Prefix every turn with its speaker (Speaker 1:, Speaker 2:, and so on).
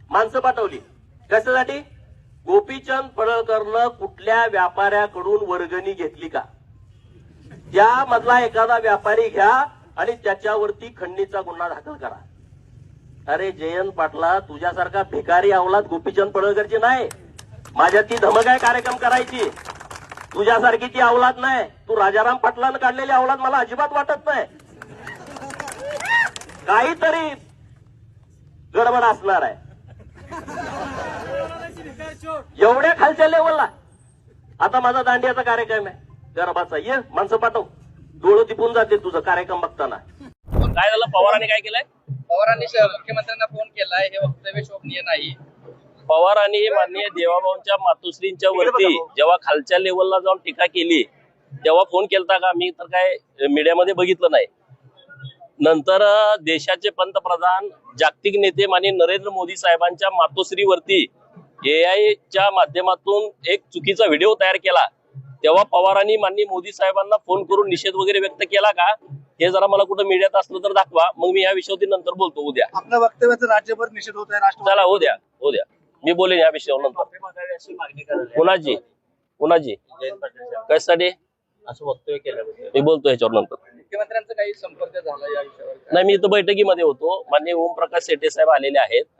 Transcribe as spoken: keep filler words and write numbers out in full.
Speaker 1: माणसं पाठवली कशासाठी? गोपीचंद पडळकरनं कुठल्या व्यापाऱ्याकडून वर्गणी घेतली का, त्यामधला एखादा व्यापारी घ्या आणि त्याच्यावरती खंडणीचा गुन्हा दाखल करा. अरे जयंत पाटला, तुझ्यासारखा भिकारी अवलाद गोपीचंद पडळकरची नाही. माझ्यात ती धमक आहे कार्यक्रम करायची. तुझ्यासारखी ती अवलाद नाही. तू राजाराम पाटलानं काढलेली अवलाद मला अजिबात वाटत नाही. काहीतरी गडबड असणार आहे. एवढ्या खालच्या लेवलला. आता माझा दांडियाचा कार्यक्रम आहे गरबाचा, ये माणसं पाठव. डोळं तिपून जाते तुझं कार्यक्रम बघताना.
Speaker 2: काय झालं? पवारांनी काय केलंय?
Speaker 3: पवारांनी मुख्यमंत्र्यांना फोन केलाय, हे वक्तव्य शोभनीय नाही.
Speaker 2: पवारांनी माननीय देवाभाऊंच्या मातोश्रींच्या वरती जेव्हा खालच्या लेवलला जाऊन टीका केली तेव्हा फोन केलता का? मी तर काय मीडियामध्ये बघितलं नाही. नंतर देशाचे पंतप्रधान जागतिक नेते माननीय नरेंद्र मोदी साहेबांच्या मातोश्रीवरती ए आयच्या माध्यमातून एक चुकीचा व्हिडिओ तयार केला तेव्हा पवारांनी माननीय मोदी साहेबांना फोन करून निषेध वगैरे व्यक्त केला का? हे जरा मला कुठं मीडियात असलं तर दाखवा, मग मी या विषयावरती नंतर बोलतो. उद्या
Speaker 4: आपल्या वक्तव्याचा राज्यभर निषेध होत आहे.
Speaker 2: चला हो द्या हो द्या मी बोलेन या विषयावर नंतर. कुणाची कुणाची कशासाठी
Speaker 1: असं वक्तव्य केलं
Speaker 2: मी बोलतो याच्यावर नंतर.
Speaker 3: मुख्यमंत्र्यांचा काही संपर्क झाला या विषयावर?
Speaker 2: नाही, मी इथं बैठकीमध्ये होतो. माननीय ओमप्रकाश शेट्टे साहेब आलेले आहेत.